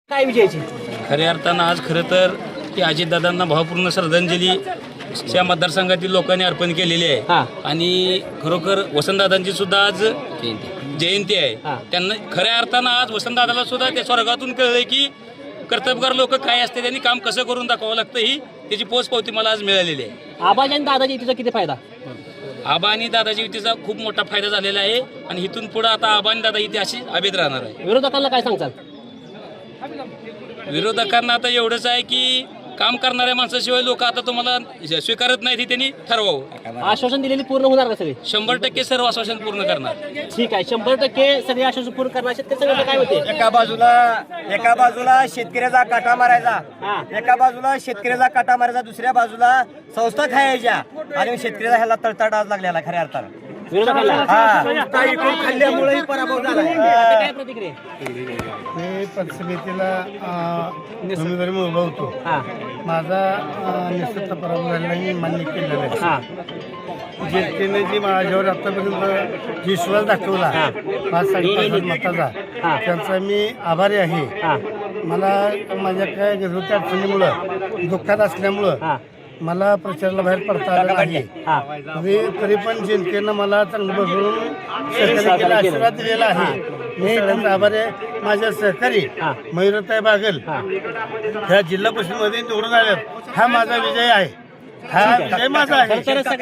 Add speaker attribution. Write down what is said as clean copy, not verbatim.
Speaker 1: काय विजयाची
Speaker 2: खऱ्या अर्थानं आज खरं तर की अजितदादांना भावपूर्ण श्रद्धांजली त्या मतदारसंघातील लोकांनी अर्पण केलेली आहे आणि खरोखर वसंतदादांची सुद्धा आज जयंती आहे. त्यांना खऱ्या अर्थानं आज वसंतदादाला सुद्धा त्या स्वर्गातून कळलंय की कर्तबगार लोक काय असते त्यांनी काम कसं करून दाखवावं लागतं ही त्याची पोचपावती मला आज मिळालेली आहे.
Speaker 1: आबाजी आणि दादाजी युतीचा किती फायदा?
Speaker 2: आबा आणि दादाजी युतीचा खूप मोठा फायदा झालेला आहे आणि इथून पुढे आता आबा आणि दादा युती अशी अभेद राहणार आहे.
Speaker 1: विरोधकांना काय सांगताल?
Speaker 2: विरोधकांना आता एवढंच आहे की काम करणाऱ्या माणसाशिवाय लोक आता तुम्हाला स्वीकारत नाहीत हे त्यांनी ठरवावं.
Speaker 1: आश्वासन दिलेली पूर्ण होणार का सगळे?
Speaker 2: 100% सर्व आश्वासन पूर्ण करणार.
Speaker 1: ठीक आहे, 100% सगळे आश्वासन पूर्ण करणार. शेतकरी संघटना काय होते?
Speaker 3: एका बाजूला शेतकऱ्याचा काटा मारायचा, एका बाजूला शेतकऱ्याचा काटा मारायचा, दुसऱ्या बाजूला संस्था खायच्या आणि शेतकऱ्याचा ह्याला तळतळ आज लागलेला खऱ्या अर्थानं.
Speaker 1: विरोधकांना
Speaker 3: खाल्ल्यामुळे पराभव झाला.
Speaker 1: काय प्रतिक्रिया?
Speaker 4: मी पंचसमितीला उमेदवारी उभा होतो. माझा निश्चित पराभव झालेला मी मान्य केलेला आहे. जनतेने जी माझ्यावर आतापर्यंत विश्वास दाखवला 5-5.5 मताचा, त्यांचा मी आभारी आहे. मला माझ्या काय घरगुती अडचणीमुळं दुःखात असल्यामुळं मला प्रचाराला बाहेर पडता आलं नाही. तरी पण जनतेनं मला चांगलं भरभरून सहकार्य केलं, आशीर्वाद दिलेला आहे. मी त्यांचा आभारी आहे. माझ्या सहकारी मयुरताई बागल ह्या जिल्हा परिषदेमध्ये निवडून आल्यात. हा माझा विजय आहे. हा विजय माझा आहे.